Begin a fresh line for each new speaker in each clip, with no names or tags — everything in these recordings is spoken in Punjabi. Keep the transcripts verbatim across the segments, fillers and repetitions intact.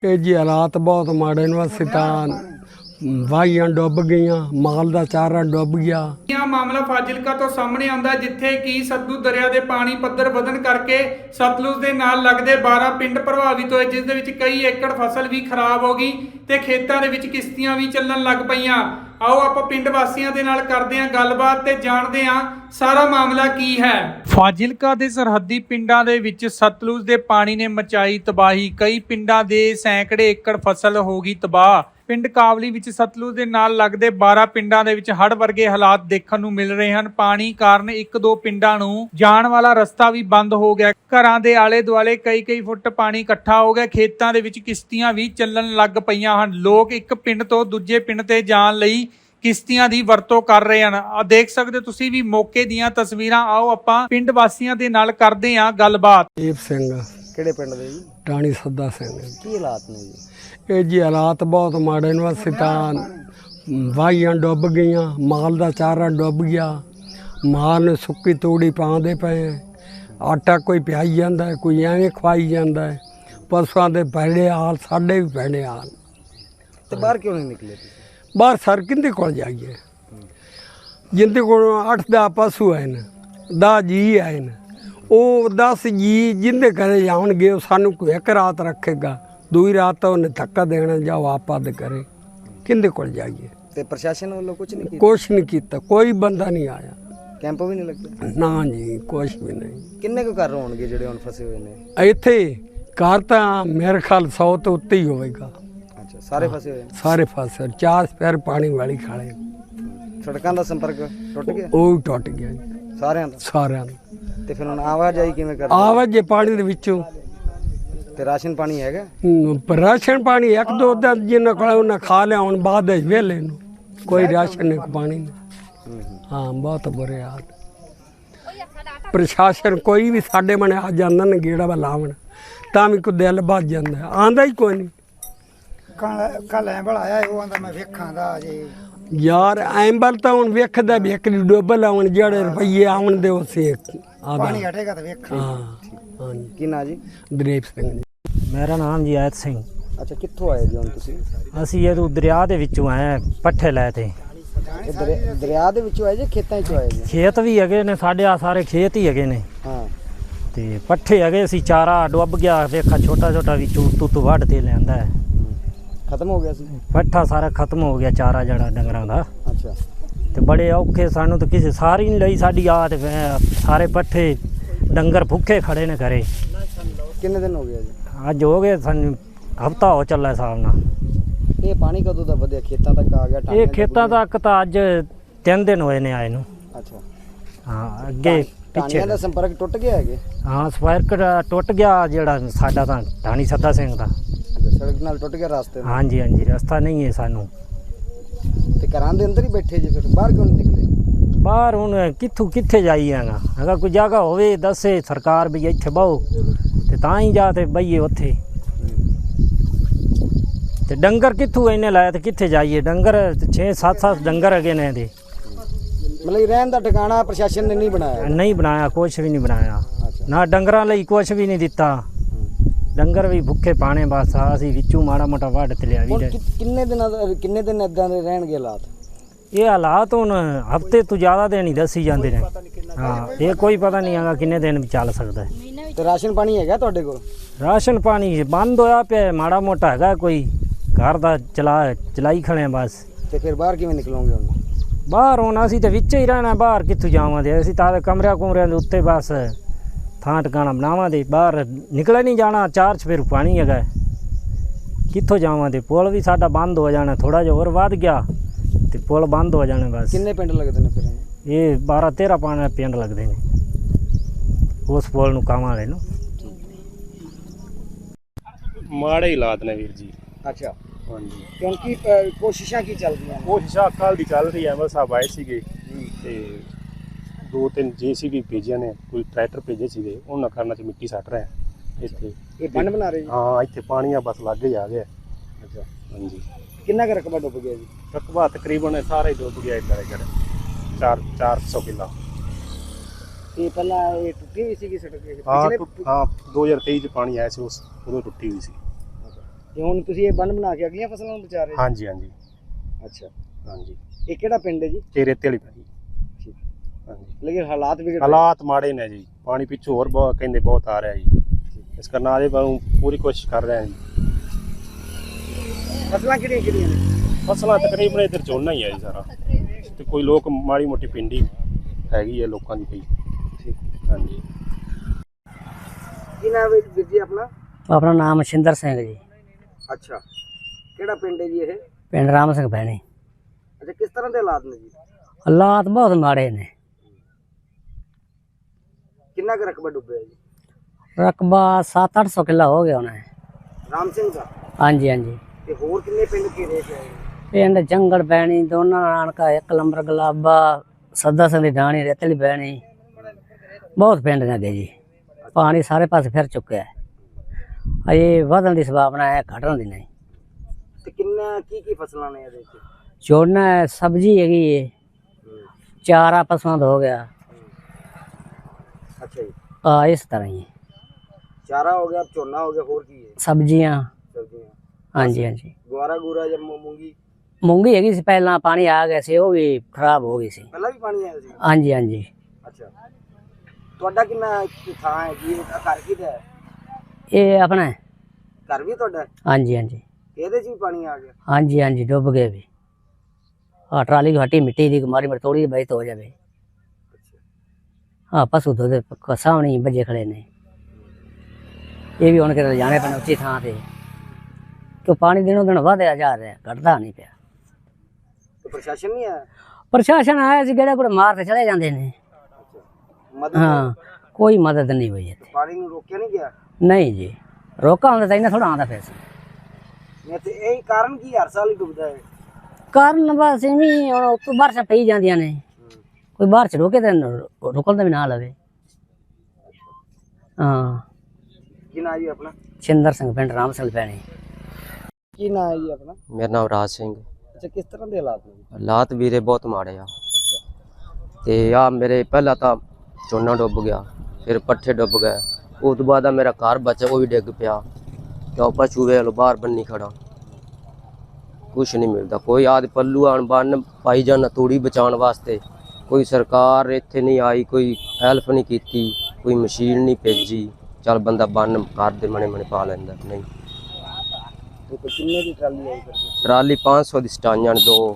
ਇਹ ਜੀ ਹਾਲਾਤ ਬਹੁਤ ਮਾੜੇ ਨੇ। ਅਸੀਂ ਤਾਂ ਵਾਹੀਆਂ ਡੁੱਬ ਗਈਆਂ, ਮਾਲ ਦਾ ਚਾਰਾ ਡੁੱਬ ਗਿਆ।
ਇਹ ਮਾਮਲਾ ਫਾਜ਼ਿਲਕਾ ਤੋਂ ਸਾਹਮਣੇ ਆਉਂਦਾ, ਜਿੱਥੇ ਕਿ ਸਤਲੁਜ ਦਰਿਆ ਦੇ ਪਾਣੀ ਪੱਧਰ ਵਧਣ ਕਰਕੇ ਸਤਲੁਜ ਦੇ ਨਾਲ ਲੱਗਦੇ ਬਾਰਾਂ ਪਿੰਡ ਪ੍ਰਭਾਵਿਤ ਹੋਏ, ਜਿਸ ਦੇ ਵਿੱਚ ਕਈ ਏਕੜ ਫਸਲ ਵੀ ਖਰਾਬ ਹੋ ਗਈ ਤੇ ਖੇਤਾਂ ਦੇ ਵਿੱਚ ਕਿਸ਼ਤੀਆਂ ਵੀ ਚੱਲਣ ਲੱਗ ਪਈਆਂ। ਆਓ ਆਪਾਂ ਪਿੰਡ ਵਾਸੀਆਂ ਦੇ ਨਾਲ ਕਰਦੇ ਹਾਂ ਗੱਲਬਾਤ ਤੇ ਜਾਣਦੇ ਹਾਂ ਸਾਰਾ ਮਾਮਲਾ ਕੀ ਹੈ। ਫਾਜ਼ਿਲਕਾ ਦੇ ਸਰਹੱਦੀ ਪਿੰਡਾਂ ਦੇ ਵਿੱਚ ਸਤਲੁਜ ਦੇ ਪਾਣੀ ਨੇ ਮਚਾਈ ਤਬਾਹੀ। ਕਈ ਪਿੰਡਾਂ ਦੇ ਸੈਂਕੜੇ ਏਕੜ ਫਸਲ ਹੋ ਗਈ ਤਬਾਹ। ਪਿੰਡ ਕਾਵਲੀ ਵਿੱਚ ਸਤਲੁਜ ਦੇ ਨਾਲ ਲੱਗਦੇ ਬਾਰਾਂ ਪਿੰਡਾਂ ਦੇ ਵਿੱਚ ਹੜ੍ਹ ਵਰਗੇ ਹਾਲਾਤ ਦੇਖਣ ਨੂੰ ਮਿਲ ਰਹੇ ਹਨ। ਪਾਣੀ ਕਾਰਨ ਇੱਕ ਦੋ ਪਿੰਡਾਂ ਨੂੰ ਜਾਣ ਵਾਲਾ ਰਸਤਾ ਵੀ ਬੰਦ ਹੋ ਗਿਆ। ਘਰਾਂ ਦੇ ਆਲੇ ਦੁਆਲੇ ਕਈ ਕਈ ਫੁੱਟ ਪਾਣੀ ਇਕੱਠਾ ਹੋ ਗਿਆ। ਖੇਤਾਂ ਦੇ ਵਿੱਚ ਕਿਸ਼ਤੀਆਂ ਵੀ ਚੱਲਣ ਲੱਗ ਪਈਆਂ ਹਨ। ਲੋਕ ਇੱਕ ਪਿੰਡ ਤੋਂ ਦੂਜੇ ਪਿੰਡ ਤੇ ਜਾਣ ਲਈ ਕਿਸ਼ਤੀਆਂ ਦੀ ਵਰਤੋਂ ਕਰ ਰਹੇ ਹਨ। ਆ ਦੇਖ ਸਕਦੇ ਹੋ ਤੁਸੀਂ ਵੀ ਮੌਕੇ ਦੀਆਂ ਤਸਵੀਰਾਂ। ਆਓ ਆਪਾਂ ਪਿੰਡ ਵਾਸੀਆਂ ਦੇ ਨਾਲ ਕਰਦੇ ਹਾਂ ਗੱਲਬਾਤ।
ਦੀਪ ਸਿੰਘ
ਕਿਹੜੇ ਪਿੰਡ ਦੇ ਜੀ?
ਟਾਣੀ ਸੱਦਾ ਸਿੰਘ।
ਕੀ ਹਾਲਾਤ ਨੇ ਜੀ?
ਇਹ ਜੀ ਹਾਲਾਤ ਬਹੁਤ ਮਾੜੇ ਨੇ। ਅਸੀਂ ਤਾਂ ਵਾਹੀਆਂ ਡੁੱਬ ਗਈਆਂ, ਮਾਲ ਦਾ ਚਾਰਾ ਡੁੱਬ ਗਿਆ। ਮਾਲ ਨੂੰ ਸੁੱਕੀ ਤੂੜੀ ਪਾਉਂਦੇ ਪਏ। ਆਟਾ ਕੋਈ ਪਿਆਈ ਜਾਂਦਾ ਹੈ, ਕੋਈ ਐਵੇਂ ਖਵਾਈ ਜਾਂਦਾ ਹੈ। ਪਸ਼ੂਆਂ ਦੇ ਭੈੜੇ ਹਾਲ, ਸਾਡੇ ਵੀ ਭੈੜੇ ਹਾਲ।
ਤੇ ਬਾਹਰ ਕਿਉਂ ਨਹੀਂ ਨਿਕਲੇ ਤੁਸੀਂ?
ਬਾਹਰ ਸਰ ਕਿੰਦੇ ਕੋਲ ਜਾਈਏ? ਜਿੰਦੇ ਕੋਲ ਅੱਠ ਦਸ ਪਸ਼ੂ ਹਨ, ਦਸ ਜੀ ਹਨ। ਉਹ ਦਸ ਜੀ ਜਿੰਦੇ ਘਰੇ ਜਾਣਗੇ ਉਹ ਸਾਨੂੰ ਕੋਈ ਇੱਕ ਰਾਤ ਰੱਖੇਗਾ, ਦੂਈ ਰਾਤ ਤਾਂ ਉਹਨੇ ਧੱਕਾ ਦੇਣਾ, ਜਾਓ ਆਪਾਂ ਦੇ ਕਰੇ। ਕਿੰਦੇ ਕੋਲ ਜਾਈਏ?
ਤੇ ਪ੍ਰਸ਼ਾਸਨ ਵੱਲੋਂ ਕੁਝ ਨਹੀਂ ਕੀਤਾ?
ਕੁਛ ਨਹੀਂ ਕੀਤਾ, ਕੋਈ ਬੰਦਾ ਨਹੀਂ ਆਇਆ।
ਕੈਂਪ ਵੀ ਨਹੀਂ ਲੱਗੇ?
ਨਾ ਜੀ, ਕੁਛ ਵੀ ਨਹੀਂ।
ਕਿੰਨੇ ਕੁ ਘਰ ਹੋਣਗੇ ਜਿਹੜੇ ਹੁਣ ਫਸੇ ਹੋਏ ਨੇ
ਇੱਥੇ? ਘਰ ਤਾਂ ਮੇਰੇ ਖਿਆਲ ਸੌ ਤੋਂ ਉੱਤੇ ਹੀ ਹੋਵੇਗਾ।
ਅੱਛਾ, ਸਾਰੇ ਫਸੇ ਹੋਏ ਨੇ?
ਸਾਰੇ ਫਸੇ, ਚਾਰ ਪੈਰ ਪਾਣੀ ਵਾਲੀ ਖਾਲੇ।
ਸੜਕਾਂ ਦਾ ਸੰਪਰਕ ਟੁੱਟ ਗਿਆ?
ਉਹ ਵੀ ਟੁੱਟ ਗਿਆ ਜੀ
ਸਾਰਿਆਂ ਦਾ?
ਸਾਰਿਆਂ ਦਾ।
ਤੇ ਫਿਰ ਹੁਣ ਆਵਾਜਾਈ ਕਿਵੇਂ ਕਰਦੇ?
ਆਵਾਜੇ ਪਾਣੀ ਦੇ ਵਿੱਚੋਂ।
ਤੇ ਰਾਸ਼ਨ ਪਾਣੀ ਹੈਗਾ?
ਹਮ, ਰਾਸ਼ਨ ਪਾਣੀ ਇੱਕ ਦੋ ਦਿਨ ਜਿੰਨਾ ਕੋਲ ਉਹਨਾਂ ਖਾ ਲਿਆ, ਹੁਣ ਬਾਅਦ ਵਿੱਚ ਵੇਲੇ ਨੂੰ ਕੋਈ ਰਾਸ਼ਨ ਨਹੀਂ, ਪਾਣੀ ਨਹੀਂ। ਹਾਂ, ਬਹੁਤ ਬੁਰੇ ਹਾਲ। ਪ੍ਰਸ਼ਾਸਨ ਕੋਈ ਵੀ ਸਾਡੇ ਮਨੇ ਆ ਜਾਂਦਾ ਨਾ ਗੇੜਾ ਵਾ ਲਾਵਣ, ਤਾਂ ਵੀ ਕੋਈ ਦਿਲ ਵੱਜ ਜਾਂਦਾ, ਆਂਦਾ ਹੀ ਕੋਈ ਨਹੀਂ।
ਕੱਲ ਐਂਬਲ ਆਇਆ, ਉਹ ਆਂਦਾ ਮੈਂ ਵੇਖਾਂ ਦਾ ਅਜੇ।
ਯਾਰ ਐਂਬਲ ਤਾਂ ਹੁਣ ਵੇਖਦਾ ਵੀ ਇੱਕ ਦੀ ਡੁੱਬ ਲਾਉਣ, ਜਿਹੜੇ ਰੁਪਈਏ ਆਉਣ ਦੇ ਉਸੇ
ਪਾਣੀ ਹਟੇਗਾ ਤਾਂ ਵੇਖਾਂ।
ਹਾਂ ਹਾਂਜੀ।
ਕੀ ਨਾਂ ਜੀ?
ਦਰੀਪ ਸਿੰਘ ਜੀ।
ਮੇਰਾ ਨਾਮ ਜੀ ਐਤ ਸਿੰਘ।
ਅੱਛਾ, ਕਿੱਥੋਂ ਆਏ ਜੀ ਹੁਣ ਤੁਸੀਂ?
ਅਸੀਂ ਇਹ ਦਰਿਆ ਦੇ ਵਿੱਚੋਂ ਆਏ, ਪੱਠੇ ਲੈ ਤੇ।
ਇਹ ਦਰਿਆ- ਦਰਿਆ ਦੇ ਵਿੱਚੋਂ ਆਏ ਜੀ, ਖੇਤਾਂ 'ਚੋਂ ਆਏ ਜੀ?
ਖੇਤ ਵੀ ਹੈਗੇ ਨੇ ਸਾਡੇ, ਆ ਸਾਰੇ ਖੇਤ ਹੀ ਹੈਗੇ ਨੇ।
ਹਾਂ।
ਤੇ ਪੱਠੇ ਹੈਗੇ ਸੀ, ਚਾਰਾ ਡੁੱਬ ਗਿਆ। ਵੇਖਾ ਛੋਟਾ ਛੋਟਾ ਵੀ ਚੂ ਤੂ ਤੂ ਵੱਢ ਤੇ ਲਿਆਂਦਾ ਹੈ।
ਖਤਮ ਹੋ ਗਿਆ ਸੀ?
ਪੱਠਾ ਸਾਰਾ ਖਤਮ ਹੋ ਗਿਆ, ਚਾਰਾ ਜਿਹੜਾ ਡੰਗਰਾਂ ਦਾ।
ਅੱਛਾ।
ਤੇ ਬੜੇ ਔਖੇ, ਸਾਨੂੰ ਤਾਂ ਕਿਸੇ ਸਾਰੀ ਨਹੀਂ ਲਈ ਸਾਡੀ ਆ। ਤੇ ਸਾਰੇ ਪੱਠੇ ਡੰਗਰ ਭੁੱਖੇ ਖੜੇ ਨੇ ਘਰੇ।
ਕਿੰਨੇ ਦਿਨ ਹੋ ਗਏ ਜੀ?
ਅੱਜ ਹੋ ਗਏ ਸਾਨੂੰ ਹਫਤਾ ਹੋ ਚੱਲਾ ਹਿਸਾਬ ਨਾਲ।
ਇਹ ਪਾਣੀ ਕਦੋਂ ਦਾ ਵਧਿਆ ਖੇਤਾਂ ਤੱਕ ਆ ਗਿਆ?
ਇਹ ਖੇਤਾਂ ਤੱਕ ਤਾਂ ਅੱਜ ਤਿੰਨ ਦਿਨ ਹੋਏ ਨੇ ਆਏ ਨੂੰ।
ਅੱਛਾ।
ਹਾਂ, ਅੱਗੇ ਪਿੱਛੇ
ਟਾਣੀਆਂ ਦਾ ਸੰਪਰਕ ਟੁੱਟ ਗਿਆ ਹੈਗੇ?
ਹਾਂ, ਸਪਾਰਕ ਟੁੱਟ ਗਿਆ ਜਿਹੜਾ ਸਾਡਾ, ਤਾਂ ਟਾਣੀ ਸੱਦਾ ਸਿੰਘ ਦਾ।
ਅੱਛਾ, ਸੜਕ ਨਾਲ ਟੁੱਟ ਗਿਆ ਰਾਸਤੇ ਨਾਲ?
ਹਾਂਜੀ ਹਾਂਜੀ, ਰਸਤਾ ਨਹੀਂ ਹੈ ਸਾਨੂੰ।
ਤੇ ਘਰਾਂ ਦੇ ਅੰਦਰ ਹੀ ਬੈਠੇ ਜੀ, ਫਿਰ ਬਾਹਰ ਕਿਉਂ ਨਹੀਂ ਨਿਕਲੇ?
ਬਾਹਰ ਹੁਣ ਕਿੱਥੋਂ ਕਿੱਥੇ ਜਾਈਏਗਾ? ਅਗਰ ਕੋਈ ਜਗ੍ਹਾ ਹੋਵੇ ਦੱਸੇ ਸਰਕਾਰ ਵੀ ਇੱਥੇ ਬਹੁ, ਤੇ ਤਾਂ ਹੀ ਜਾ ਤੇ ਬਈਏ ਉੱਥੇ। ਤੇ ਡੰਗਰ ਕਿੱਥੋਂ ਇੰਨੇ ਲਾਏ ਤੇ ਕਿੱਥੇ ਜਾਈਏ? ਡੰਗਰ ਛੇ ਸੱਤ ਸੱਤ ਡੰਗਰ ਹੈਗੇ ਨੇ ਇਹਦੇ।
ਮਤਲਬ ਰਹਿਣ ਦਾ ਟਿਕਾਣਾ ਪ੍ਰਸ਼ਾਸਨ ਨੇ ਨਹੀਂ ਬਣਾਇਆ?
ਨਹੀਂ ਬਣਾਇਆ, ਕੁਛ ਵੀ ਨਹੀਂ ਬਣਾਇਆ। ਨਾ ਡੰਗਰਾਂ ਲਈ ਕੁਛ ਵੀ ਨਹੀਂ ਦਿੱਤਾ। ਡੰਗਰ ਵੀ ਭੁੱਖੇ ਪਾਣੇ, ਬਸ ਅਸੀਂ ਵਿੱਚੋਂ ਮਾੜਾ ਮੋਟਾ ਵੱਢ ਤੇ ਲਿਆ ਵੀ।
ਹੁਣ ਕਿ- ਕਿੰਨੇ ਦਿਨਾਂ ਦਾ ਕਿੰਨੇ ਦਿਨ ਇਦਾਂ ਦੇ ਰਹਿਣਗੇ ਹਾਲਾਤ?
ਇਹ ਹਾਲਾਤ ਹੁਣ ਹਫਤੇ ਤੋਂ ਜ਼ਿਆਦਾ ਦਿਨ ਹੀ ਦੱਸੀ ਜਾਂਦੇ ਨੇ। ਹਾਂ, ਇਹ ਕੋਈ ਪਤਾ ਨਹੀਂ ਹੈਗਾ ਕਿੰਨੇ ਦਿਨ ਵੀ ਚੱਲ ਸਕਦਾ ਹੈ।
ਤੇ ਰਾਸ਼ਨ ਪਾਣੀ ਹੈਗਾ ਤੁਹਾਡੇ ਕੋਲ?
ਰਾਸ਼ਨ ਪਾਣੀ ਬੰਦ ਹੋਇਆ ਪਿਆ, ਮਾੜਾ ਮੋਟਾ ਹੈਗਾ ਕੋਈ ਘਰ ਦਾ ਚਲਾ ਚਲਾਈ ਖੜੇ ਬਸ।
ਤੇ ਫਿਰ ਬਾਹਰ ਕਿਵੇਂ ਨਿਕਲੋਗੇ ਹੁਣ?
ਬਾਹਰ ਹੁਣ ਅਸੀਂ ਤਾਂ ਵਿੱਚ ਹੀ ਰਹਿਣਾ, ਬਾਹਰ ਕਿੱਥੋਂ ਜਾਵਾਂਗੇ? ਅਸੀਂ ਤਾਂ ਕਮਰਿਆਂ ਕੁਮਰਿਆਂ ਦੇ ਉੱਤੇ ਬਸ ਥਾਂ ਟਿਕਾਣਾ ਬਣਾਵਾਂਗੇ, ਬਾਹਰ ਨਿਕਲੇ ਨਹੀਂ ਜਾਣਾ। ਚਾਰ ਚਫੇਰੂ ਪਾਣੀ ਹੈਗਾ, ਕਿੱਥੋਂ ਜਾਵਾਂਗੇ? ਪੁਲ ਵੀ ਸਾਡਾ ਬੰਦ ਹੋ ਜਾਣਾ, ਥੋੜਾ ਜਿਹਾ ਹੋਰ ਵੱਧ ਗਿਆ ਤੇ ਪੁਲ ਬੰਦ ਹੋ ਜਾਣਾ ਬਸ।
ਕਿੰਨੇ ਪਿੰਡ ਲੱਗਦੇ ਨੇ ਫਿਰ?
ਇਹ ਬਾਰਾਂ ਤੇਰਾਂ ਪਾਣੇ ਪਿੰਡ ਲੱਗਦੇ ਨੇ ਉਸ ਪੁਲ ਨੂੰ, ਕਾਵਾਂ ਵਾਲੇ ਨੂੰ।
ਮਾੜੇ ਹੀ ਹਾਲਾਤ ਨੇ ਵੀਰ ਜੀ।
ਅੱਛਾ।
ਹਾਂਜੀ,
ਕਿਉਂਕਿ ਕੋਸ਼ਿਸ਼ਾਂ ਕੀ ਚੱਲਦੀਆਂ ਨੇ?
ਕੋਸ਼ਿਸ਼ਾਂ ਕੱਲ੍ਹ ਦੀ ਚੱਲ ਰਹੀ ਐ। ਐਮ ਐਲ ਸਾਹਿਬ ਆਏ ਸੀਗੇ ਤੇ ਦੋ ਤਿੰਨ ਜੇ ਸੀ ਵੀ ਭੇਜਿਆ ਨੇ, ਕੋਈ ਟਰੈਕਟਰ ਭੇਜੇ ਸੀਗੇ, ਉਹਨਾਂ ਕਾਰਨਾਂ 'ਚ ਮਿੱਟੀ ਸੱਟ ਰਿਹਾ ਇੱਥੇ।
ਇਹ ਬੰਨ ਬਣਾ ਰਹੇ ਜੀ?
ਹਾਂ, ਇੱਥੇ ਪਾਣੀ ਆ ਬਸ ਲਾਗੇ ਹੀ ਆ ਗਿਆ।
ਅੱਛਾ।
ਹਾਂਜੀ।
ਕਿੰਨਾ ਕੁ ਰਕਬਾ ਡੁੱਬ ਗਿਆ ਜੀ?
ਰਕਬਾ ਤਕਰੀਬਨ ਸਾਰਾ ਹੀ ਡੁੱਬ ਗਿਆ ਇੱਧਰ ਇੱਧਰ ਚਾਰ ਚਾਰ ਸੌ ਕਿੱਲਾ।
ਤੇ ਪਹਿਲਾਂ ਇਹ ਟੁੱਟੀ ਹੋਈ ਸੀਗੀ ਸੜਕ?
ਹਾਂ
ਪਿਛਲੇ
ਹਾਂ, ਦੋ ਹਜ਼ਾਰ ਤੇਈ 'ਚ ਪਾਣੀ ਆਇਆ ਸੀ, ਉਸ ਉਦੋਂ ਟੁੱਟੀ ਹੋਈ ਸੀ।
ਤੇ ਹੁਣ ਤੁਸੀਂ ਇਹ ਬੰਨ ਬਣਾ ਕੇ ਅਗਲੀਆਂ ਫਸਲਾਂ ਨੂੰ ਬਚਾ ਰਹੇ ਹੋ?
ਹਾਂਜੀ ਹਾਂਜੀ
ਅੱਛਾ,
ਹਾਂਜੀ
ਇਹ ਕਿਹੜਾ ਪਿੰਡ ਹੈ ਜੀ?
ਇਹ ਰੇਤੇ ਵਾਲੀ ਪੈਲੀ।
ਠੀਕ।
ਹਾਂਜੀ
ਲੇਕਿਨ ਹਾਲਾਤ ਵਿਗੜ ਰਹੇ।
ਹਾਲਾਤ ਮਾੜੇ ਨੇ ਜੀ, ਪਾਣੀ ਪਿੱਛੋਂ ਹੋਰ ਬਹੁਤ ਕਹਿੰਦੇ ਬਹੁਤ ਆ ਰਿਹਾ ਜੀ, ਇਸ ਕਰਨ ਆਦੇ ਬਾਹੂ ਪੂਰੀ ਕੋਸ਼ਿਸ਼ ਕਰ ਰਹੇ ਹਾਂ ਜੀ।
ਫਸਲਾਂ ਕਿਹੜੀਆਂ ਕਿਹੜੀਆਂ ਨੇ?
ਫਸਲਾਂ ਤਕਰੀਬਨ ਇੱਧਰ ਝੋਨਾ ਹੀ ਹੈ ਜੀ ਸਾਰਾ, ਤੇ ਕੋਈ ਲੋਕ ਮਾੜੀ ਮੋਟੀ ਪਿੰਡੀ ਹੈਗੀ ਹੈ ਲੋਕਾਂ ਦੀ ਕੋਈ।
ਠੀਕ।
ਹਾਂਜੀ।
ਕੀ ਨਾਮ ਹੈ ਵੀਰ ਜੀ ਆਪਣਾ?
ਆਪਣਾ ਨਾਮ ਸ਼ਿੰਦਰ ਸਿੰਘ ਜੀ,
ਅੱਛਾ, ਕਿਹੜਾ ਪਿੰਡ ਹੈ ਜੀ ਇਹ?
ਪਿੰਡ ਰਾਮ ਸਿੰਘ ਭੈਣੀ।
ਅੱਛਾ, ਕਿਸ ਤਰ੍ਹਾਂ ਦੇ ਹਾਲਾਤ ਨੇ ਜੀ?
ਹਾਲਾਤ ਬਹੁਤ ਮਾੜੇ ਨੇ।
ਕਿੰਨਾ ਕੁ ਰਕਬਾ ਡੁੱਬਿਆ ਜੀ?
ਰਕਬਾ ਸੱਤ ਅੱਠ ਸੌ ਕਿੱਲਾ ਹੋ ਗਿਆ ਹੋਣਾ ਹੈ।
ਰਾਮ ਸਿੰਘ ਦਾ?
ਹਾਂਜੀ ਹਾਂਜੀ।
ਤੇ ਹੋਰ ਕਿੰਨੇ ਪਿੰਡ ਘੇਰੇ ਪਏ?
ਪਿੰਡ ਜੰਗਲ ਭੈਣੀ, ਦੋਨਾਂ ਨਾਨਕਾ, ਇੱਕ ਲੰਬਰ ਗੁਲਾਬਾ, ਸੱਦਾ ਸਿੰਘ ਦੀ ਢਾਣੀ, ਰੇਤਲੀ ਭੈਣੀ, ਬਹੁਤ ਪਿੰਡ ਨੇ ਅੱਗੇ ਜੀ। ਪਾਣੀ ਸਾਰੇ ਪਾਸੇ ਫਿਰ ਚੁੱਕਿਆ ਹੈ, ਅਜੇ ਵਧਣ ਦੀ ਸੰਭਾਵਨਾ ਹੈ, ਘਟਣ ਦੀ ਨਹੀਂ।
ਤੇ ਕਿੰਨਾ ਕੀ ਕੀ ਫਸਲਾਂ ਨੇ ਇਹਦੇ ਵਿੱਚ?
ਝੋਨਾ ਹੈ, ਸਬਜ਼ੀ ਹੈਗੀ ਹੈ, ਚਾਰਾ ਪਸ਼ੂਆਂ ਦਾ ਹੋ ਗਿਆ,
ਅੱਛਾ ਜੀ,
ਆ ਇਸ ਤਰ੍ਹਾਂ ਹੀ ਹੈ।
ਚਾਰਾ ਹੋ ਗਿਆ, ਝੋਨਾ ਹੋ ਗਿਆ, ਹੋਰ ਕੀ ਹੈ?
ਸਬਜ਼ੀਆਂ।
ਸਬਜ਼ੀਆਂ।
ਹਾਂਜੀ ਹਾਂਜੀ।
ਗੁਆਰਾ ਗੂਰਾ ਜਾਂ ਮੂ- ਮੂੰਗੀ?
ਮੂੰਗੀ ਹੈਗੀ ਸੀ, ਪਹਿਲਾਂ ਪਾਣੀ ਆ ਗਿਆ ਸੀ, ਉਹ ਵੀ ਖਰਾਬ ਹੋ ਗਈ ਸੀ।
ਪਹਿਲਾਂ ਵੀ ਪਾਣੀ ਆਇਆ ਸੀ?
ਹਾਂਜੀ ਹਾਂਜੀ।
ਅੱਛਾ, ਤੁਹਾਡਾ ਕਿੰਨਾ ਕੁ ਥਾਂ ਹੈ ਜੀ? ਇਹ ਘਰ ਕਿਹਦਾ ਹੈ?
ਇਹ ਆਪਣਾ ਹੈ।
ਘਰ ਵੀ ਤੁਹਾਡਾ ਹੈ?
ਹਾਂਜੀ ਹਾਂਜੀ।
ਇਹਦੇ 'ਚ ਵੀ ਪਾਣੀ ਆ ਗਿਆ?
ਹਾਂਜੀ ਹਾਂਜੀ, ਡੁੱਬ ਗਏ ਵੀ। ਆ ਟਰਾਲੀ ਘਾਟੀ ਮਿੱਟੀ ਦੀ ਮਾਰੀ ਮਰ ਥੋੜੀ ਜਿਹੀ ਬਚਤ ਹੋ ਜਾਵੇ। ਹਾਂ, ਪਸ਼ੂ ਦੁੱਧ ਸਾਹਮਣੇ ਵੱਜੇ ਖੜੇ ਨੇ, ਇਹ ਵੀ ਹੁਣ ਕਿਤੇ ਜਾਣੇ ਪੈਣ ਉੱਚੀ ਥਾਂ ਤੇ, ਕਿ ਪਾਣੀ ਦਿਨੋਂ ਦਿਨ ਵਧਿਆ ਜਾ ਰਿਹਾ, ਘਟਦਾ ਨਹੀਂ ਪਿਆ।
ਤੇ ਪ੍ਰਸ਼ਾਸਨ ਨਹੀਂ ਆਇਆ?
ਪ੍ਰਸ਼ਾਸਨ ਆਇਆ ਸੀ, ਗੇੜੇ ਗੁੜੇ ਮਾਰ ਕੇ ਚਲੇ ਜਾਂਦੇ ਨੇ।
ਮਦਦ?
ਹਾਂ, ਕੋਈ ਮਦਦ ਨਹੀਂ ਹੋਈ ਇੱਥੇ।
ਪਾਣੀ ਨੂੰ ਰੋਕਿਆ ਨਹੀਂ ਗਿਆ?
ਨਹੀਂ ਜੀ, ਰੋਕਾ ਹੁੰਦਾ ਤਾਂ ਇਹਨਾਂ ਥੋੜਾ ਆਉਂਦਾ ਫਿਰ।
ਨਹੀਂ ਤੇ ਇਹ ਕਾਰਨ ਕੀ ਹਰ ਸਾਲ ਹੀ ਡੁੱਬਦਾ ਹੈ?
ਕਾਰਨ ਬਸ ਇਵੇਂ ਹੁਣ ਉੱਤੋਂ ਬਾਰਿਸ਼ਾਂ ਪਈ ਜਾਂਦੀਆਂ ਨੇ, ਕੋਈ ਬਾਹਰ ਚ ਰੋਕੇ ਤਾਂ ਰੁਕਣ ਦਾ ਵੀ ਨਾ ਲਵੇ। ਹਾਂ।
ਕੀ ਨਾਂ ਜੀ ਆਪਣਾ?
ਸ਼ਿੰਦਰ ਸਿੰਘ, ਪਿੰਡ ਰਾਮ ਸਿੰਘ ਭੈਣੀ।
ਕੀ ਨਾਂ ਹੈ ਜੀ ਆਪਣਾ?
ਮੇਰਾ ਨਾਮ ਰਾਜ ਸਿੰਘ।
ਅੱਛਾ, ਕਿਸ ਤਰ੍ਹਾਂ ਦੇ ਹਾਲਾਤ ਨੇ?
ਹਾਲਾਤ ਵੀਰੇ ਬਹੁਤ ਮਾੜੇ ਆ, ਤੇ ਆ ਮੇਰੇ ਪਹਿਲਾਂ ਤਾਂ ਝੋਨਾ ਡੁੱਬ ਗਿਆ, ਫਿਰ ਪੱਠੇ ਡੁੱਬ ਗਏ, ਉਸ ਤੋਂ ਬਾਅਦ ਆ ਮੇਰਾ ਘਰ ਬਚਿਆ ਉਹ ਵੀ ਡਿੱਗ ਪਿਆ, ਤੇ ਉਹ ਪਸ਼ੂ ਵੇਖ ਲਓ ਬਾਹਰ ਬੰਨੀ ਖੜਾ, ਕੁਛ ਨਹੀਂ ਮਿਲਦਾ। ਕੋਈ ਆਦ ਪੱਲੂ ਆਣ ਬੰਨ ਪਾਈ ਜਾਣ ਤੂੜੀ ਬਚਾਉਣ ਵਾਸਤੇ, ਕੋਈ ਸਰਕਾਰ ਇੱਥੇ ਨਹੀਂ ਆਈ, ਕੋਈ ਹੈਲਪ ਨਹੀਂ ਕੀਤੀ, ਕੋਈ ਮਸ਼ੀਨ ਨਹੀਂ ਭੇਜੀ, ਚੱਲ ਬੰਦਾ ਬੰਨ ਘਰ ਦੇ ਮਣੇ ਮਣੇ ਪਾ ਲੈਂਦਾ। ਨਹੀਂ,
ਤੇ ਕੋਈ ਕਿੰਨੇ ਦੀ ਟਰਾਲੀ ਆਈ ਫਿਰ?
ਟਰਾਲੀ ਪੰਜ ਸੌ ਦੀ ਸਟਾਈਆਂ ਨੇ ਦੋ।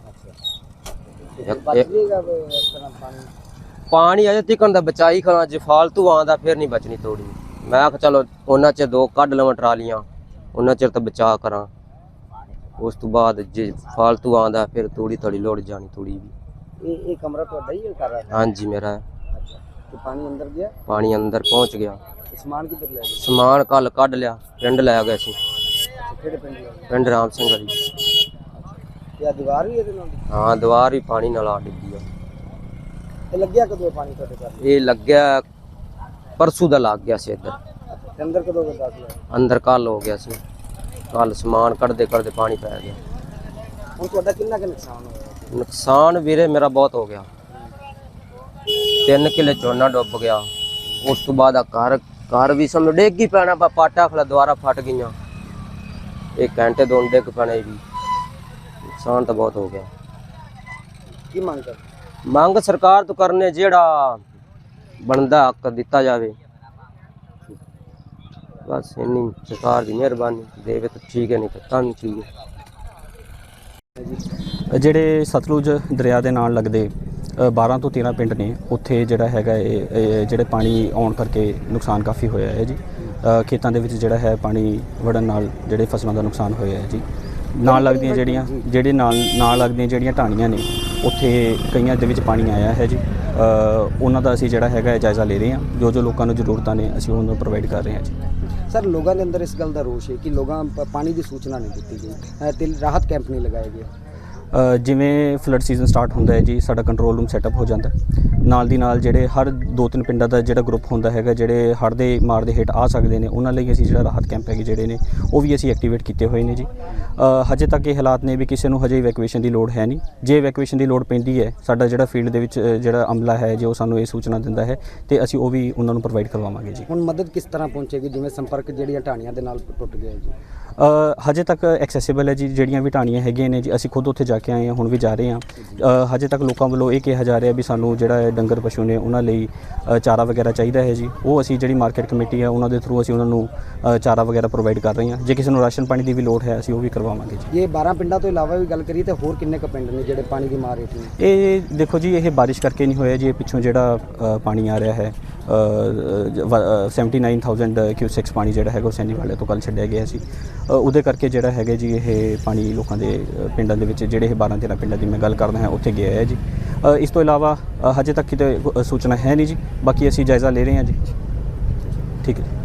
ਤੇ ਬਚ ਜੇਗਾ ਇਸ ਤਰ੍ਹਾਂ ਪਾਣੀ?
ਪਾਣੀ ਅਜੇ ਤੀਕਣ ਦਾ ਬਚਾਈ ਖੜਾ, ਜੇ ਫਾਲਤੂ ਆਉਂਦਾ ਫਿਰ ਨਹੀਂ ਬਚਣੀ ਤੋੜੀ। ਮੈਂ ਆਖ ਚਲੋ ਉਹਨਾਂ ਚ ਦੋ ਕੱਢ ਲਵਾਂ ਟਰਾਲੀਆਂ, ਉਹਨਾਂ ਚਿਰ ਤਾਂ ਬਚਾ ਕਰਾਂ, ਉਸ ਤੋਂ ਬਾਅਦ ਜੇ ਫਾਲਤੂ ਆਉਂਦਾ ਫਿਰ ਤੋੜੀ ਥੋੜੀ ਲੋੜ ਜਾਣੀ ਤੋੜੀ ਵੀ।
ਇਹ ਇਹ ਕਮਰਾ ਤੁਹਾਡਾ ਹੀ ਹੈ ਘਰ?
ਹਾਂਜੀ ਮੇਰਾ।
ਅੱਛਾ, ਤੇ ਪਾਣੀ ਅੰਦਰ ਗਿਆ?
ਪਾਣੀ ਅੰਦਰ ਪਹੁੰਚ ਗਿਆ।
ਤੇ ਸਮਾਨ ਕਿੱਧਰ ਲੈ ਗਏ?
ਸਮਾਨ ਕੱਲ ਕੱਢ ਲਿਆ, ਪਿੰਡ ਲੈ ਗਏ ਸੀ,
ਕਿਹੜੇ ਪਿੰਡ ਲੈ ਗਏ?
ਪਿੰਡ ਰਾਮ ਸਿੰਘ ਵਾਲੀ।
ਤੇ ਆ ਦੀਵਾਰ ਵੀ ਇਹਦੇ ਨਾਲ?
ਹਾਂ, ਦੀਵਾਰ ਵੀ ਪਾਣੀ ਨਾਲ ਆ ਡਿੱਗੀ ਆ।
ਤੇ ਲੱਗਿਆ ਕਦੋਂ ਪਾਣੀ ਤੁਹਾਡੇ ਘਰ?
ਇਹ ਲੱਗਿਆ ਪਰਸੋਂ ਦਾ ਲੱਗ ਗਿਆ ਸੀ ਇੱਧਰ,
ਤੇ ਅੰਦਰ ਕਦੋਂ ਦਾ ਦਾਖਲ ਹੈ?
ਅੰਦਰ ਕੱਲ ਹੋ ਗਿਆ ਸੀ, ਕੱਲ ਸਮਾਨ ਕੱਢਦੇ ਕੱਢਦੇ ਪਾਣੀ ਪੈ ਗਿਆ।
ਹੁਣ ਤੁਹਾਡਾ ਕਿੰਨਾ ਕੁ ਨੁਕਸਾਨ ਹੋਇਆ?
ਨੁਕਸਾਨ ਵੀਰੇ ਮੇਰਾ ਬਹੁਤ ਹੋ ਗਿਆ, ਤਿੰਨ ਕਿੱਲੇ ਝੋਨਾ ਡੁੱਬ ਗਿਆ, ਉਸ ਤੋਂ ਬਾਅਦ ਆ ਘਰ ਘਰ ਵੀ ਸਮਝ ਡਿੱਗ ਹੀ ਪੈਣਾ, ਬਾ ਪਾਟਾ ਖਲਾ ਦੁਆਰਾ ਫਟ ਗਈਆਂ, ਇੱਕ ਘੰਟੇ ਦੋ ਡਿੱਗ ਪੈਣੇ ਵੀ, ਨੁਕਸਾਨ ਤਾਂ ਬਹੁਤ ਹੋ ਗਿਆ।
ਕੀ ਮੰਗ ਕਰ?
ਮੰਗ ਸਰਕਾਰ ਤੋਂ ਕਰਨੇ, ਜਿਹੜਾ ਬਣਦਾ ਹੱਕ ਦਿੱਤਾ ਜਾਵੇ, ਬਸ ਇੰਨੀ ਸਰਕਾਰ ਦੀ ਮਿਹਰਬਾਨੀ, ਦੇਵੇ ਤਾਂ ਠੀਕ ਹੈ, ਨਹੀਂ ਤਾਂ ਤਾਂ ਨਹੀਂ ਠੀਕ ਹੈ।
ਜਿਹੜੇ ਸਤਲੁਜ ਦਰਿਆ ਦੇ ਨਾਲ ਲੱਗਦੇ ਬਾਰਾਂ ਤੋਂ ਤੇਰਾਂ ਪਿੰਡ ਨੇ, ਉੱਥੇ ਜਿਹੜਾ ਹੈਗਾ ਇਹ ਇਹ ਜਿਹੜੇ ਪਾਣੀ ਆਉਣ ਕਰਕੇ ਨੁਕਸਾਨ ਕਾਫੀ ਹੋਇਆ ਹੈ ਜੀ। ਅ, ਖੇਤਾਂ ਦੇ ਵਿੱਚ ਜਿਹੜਾ ਹੈ ਪਾਣੀ ਵੜਨ ਨਾਲ ਜਿਹੜੇ ਫਸਲਾਂ ਦਾ ਨੁਕਸਾਨ ਹੋਇਆ ਹੈ ਜੀ। ਨਾਲ ਲੱਗਦੀਆਂ ਜਿਹੜੀਆਂ ਜਿਹੜੇ ਨਾਲ ਨਾਲ ਲੱਗਦੀਆਂ ਜਿਹੜੀਆਂ ਢਾਣੀਆਂ ਨੇ, ਉੱਥੇ ਕਈਆਂ ਦੇ ਵਿੱਚ ਪਾਣੀ ਆਇਆ ਹੈ ਜੀ। ਅ, ਉਹਨਾਂ ਦਾ ਅਸੀਂ ਜਿਹੜਾ ਹੈਗਾ ਜਾਇਜ਼ਾ ਲੈ ਰਹੇ ਹਾਂ, ਜੋ ਜੋ ਲੋਕਾਂ ਨੂੰ ਜ਼ਰੂਰਤਾਂ ਨੇ ਅਸੀਂ ਉਹਨਾਂ ਨੂੰ ਪ੍ਰੋਵਾਈਡ ਕਰ ਰਹੇ ਹਾਂ ਜੀ।
ਸਰ, ਲੋਕਾਂ ਦੇ ਅੰਦਰ ਇਸ ਗੱਲ ਦਾ ਰੋਸ਼ ਹੈ ਕਿ ਲੋਕਾਂ ਪ- ਪਾਣੀ ਦੀ ਸੂਚਨਾ ਨਹੀਂ ਦਿੱਤੀ ਗਈ, ਅ, ਤੇ ਰਾਹਤ ਕੈਂਪ ਨਹੀਂ ਲਗਾਏ ਗਏ।
ਅ, ਜਿਵੇਂ ਫਲੱਡ ਸੀਜ਼ਨ ਸਟਾਰਟ ਹੁੰਦਾ ਹੈ ਜੀ, ਸਾਡਾ ਕੰਟਰੋਲ ਰੂਮ ਸੈਟਅਪ ਹੋ ਜਾਂਦਾ ਹੈ। ਨਾਲ ਦੀ ਨਾਲ ਜਿਹੜੇ ਹਰ ਦੋ ਤਿੰਨ ਪਿੰਡਾਂ ਦਾ ਜਿਹੜਾ ਗਰੁੱਪ ਹੁੰਦਾ ਹੈਗਾ, ਜਿਹੜੇ ਹੜ੍ਹ ਦੇ ਮਾਰ ਦੇ ਹੇਠ ਆ ਸਕਦੇ ਨੇ, ਉਹਨਾਂ ਲਈ ਅਸੀਂ ਜਿਹੜਾ ਰਾਹਤ ਕੈਂਪ ਹੈਗੇ ਜਿਹੜੇ ਨੇ ਉਹ ਵੀ ਅਸੀਂ ਐਕਟੀਵੇਟ ਕੀਤੇ ਹੋਏ ਨੇ ਜੀ। ਅ, ਹਜੇ ਤੱਕ ਇਹ ਹਾਲਾਤ ਨੇ ਵੀ ਕਿਸੇ ਨੂੰ ਹਜੇ ਇਵੈਕੂਏਸ਼ਨ ਦੀ ਲੋੜ ਹੈ ਨਹੀਂ। ਜੇ ਇਵੈਕੂਏਸ਼ਨ ਦੀ ਲੋੜ ਪੈਂਦੀ ਹੈ, ਸਾਡਾ ਜਿਹੜਾ ਫੀਲਡ ਦੇ ਵਿੱਚ ਅ, ਜਿਹੜਾ ਅਮਲਾ ਹੈ ਜੋ ਸਾਨੂੰ ਇਹ ਸੂਚਨਾ ਦਿੰਦਾ ਹੈ ਤੇ ਅਸੀਂ ਉਹ ਵੀ ਉਹਨਾਂ ਨੂੰ ਪ੍ਰੋਵਾਈਡ ਕਰਵਾਵਾਂਗੇ ਜੀ।
ਹੁਣ ਮਦਦ ਕਿਸ ਤਰ੍ਹਾਂ ਪਹੁੰਚੇਗੀ, ਜਿਵੇਂ ਸੰਪਰਕ ਜਿਹੜੀਆਂ ਢਾਣੀਆਂ ਦੇ ਨਾਲ ਟੁੱਟ ਗਿਆ ਜੀ?
ਅ, ਹਜੇ ਤੱਕ ਐਕਸੈਸਿਬਲ ਹੈ ਜੀ, ਜਿਹੜੀਆਂ ਵੀ ਢਾਣੀਆਂ ਹੈਗੀਆਂ ਨੇ ਜੀ, ਅਸੀਂ ਖੁਦ ਉੱਥੇ ਜਾ ਕੇ ਆਏ ਹਾਂ, ਹੁਣ ਵੀ ਜਾ ਰਹੇ ਹਾਂ। ਅ, ਹਜੇ ਤੱਕ ਲੋਕਾਂ ਵੱਲੋਂ ਇਹ ਕਿਹਾ ਜਾ ਰਿਹਾ ਵੀ ਸਾਨੂੰ ਜਿਹੜਾ ਹੈ ਡੰਗਰ ਪਸ਼ੂ ਨੇ ਉਹਨਾਂ ਲਈ ਅ, ਚਾਰਾ ਵਗੈਰਾ ਚਾਹੀਦਾ ਹੈ ਜੀ। ਉਹ ਅਸੀਂ ਜਿਹੜੀ ਮਾਰਕੀਟ ਕਮੇਟੀ ਹੈ ਉਹਨਾਂ ਦੇ ਥਰੂ ਅਸੀਂ ਉਹਨਾਂ ਨੂੰ ਅ, ਚਾਰਾ ਵਗੈਰਾ ਪ੍ਰੋਵਾਈਡ ਕਰ ਰਹੇ ਹਾਂ। ਜੇ ਕਿਸੇ ਨੂੰ ਰਾਸ਼ਨ ਪਾਣੀ ਦੀ ਵੀ ਲੋੜ ਹੈ ਅਸੀਂ ਉਹ ਵੀ ਕਰਵਾਵਾਂਗੇ ਜੀ।
ਇਹ ਬਾਰਾਂ ਪਿੰਡਾਂ ਤੋਂ ਇਲਾਵਾ ਵੀ ਗੱਲ ਕਰੀਏ ਤਾਂ ਹੋਰ ਕਿੰਨੇ ਕੁ ਪਿੰਡ ਨੇ ਜਿਹੜੇ ਪਾਣੀ ਦੀ ਮਾਰ ਹੇਠ ਨੇ?
ਇਹ ਦੇਖੋ ਜੀ, ਇਹ ਬਾਰਿਸ਼ ਕਰਕੇ ਨਹੀਂ ਹੋਇਆ ਜੀ, ਇਹ ਪਿੱਛੋਂ ਜਿਹੜਾ ਅ, ਪਾਣੀ ਆ ਰਿਹਾ ਹੈ ਸੈਵਨਟੀ ਨਾਈਨ ਥਾਊਜ਼ੈਂਡ ਕਿਊਸੈਕਸ ਪਾਣੀ ਜਿਹੜਾ ਹੈਗਾ ਉਹ ਸੈਣੀ ਵਾਲੇ ਤੋਂ ਕੱਲ੍ਹ ਛੱਡਿਆ ਗਿਆ ਸੀ। ਅ, ਉਹਦੇ ਕਰਕੇ ਜਿਹੜਾ ਹੈਗਾ ਜੀ ਇਹ ਪਾਣੀ ਲੋਕਾਂ ਦੇ ਅ, ਪਿੰਡਾਂ ਦੇ ਵਿੱਚ ਜਿਹੜੇ ਇਹ ਬਾਰਾਂ ਤੇਰਾਂ ਪਿੰਡਾਂ ਦੀ ਮੈਂ ਗੱਲ ਕਰਦਾ ਹਾਂ ਉੱਥੇ ਗਿਆ ਹੈ ਜੀ। ਅ, ਇਸ ਤੋਂ ਇਲਾਵਾ ਅ, ਹਜੇ ਤੱਕ ਕਿਤੇ ਅ, ਸੂਚਨਾ ਹੈ ਨਹੀਂ ਜੀ, ਬਾਕੀ ਅਸੀਂ ਜਾਇਜ਼ਾ ਲੈ ਰਹੇ ਹਾਂ ਜੀ। ਠੀਕ ਹੈ।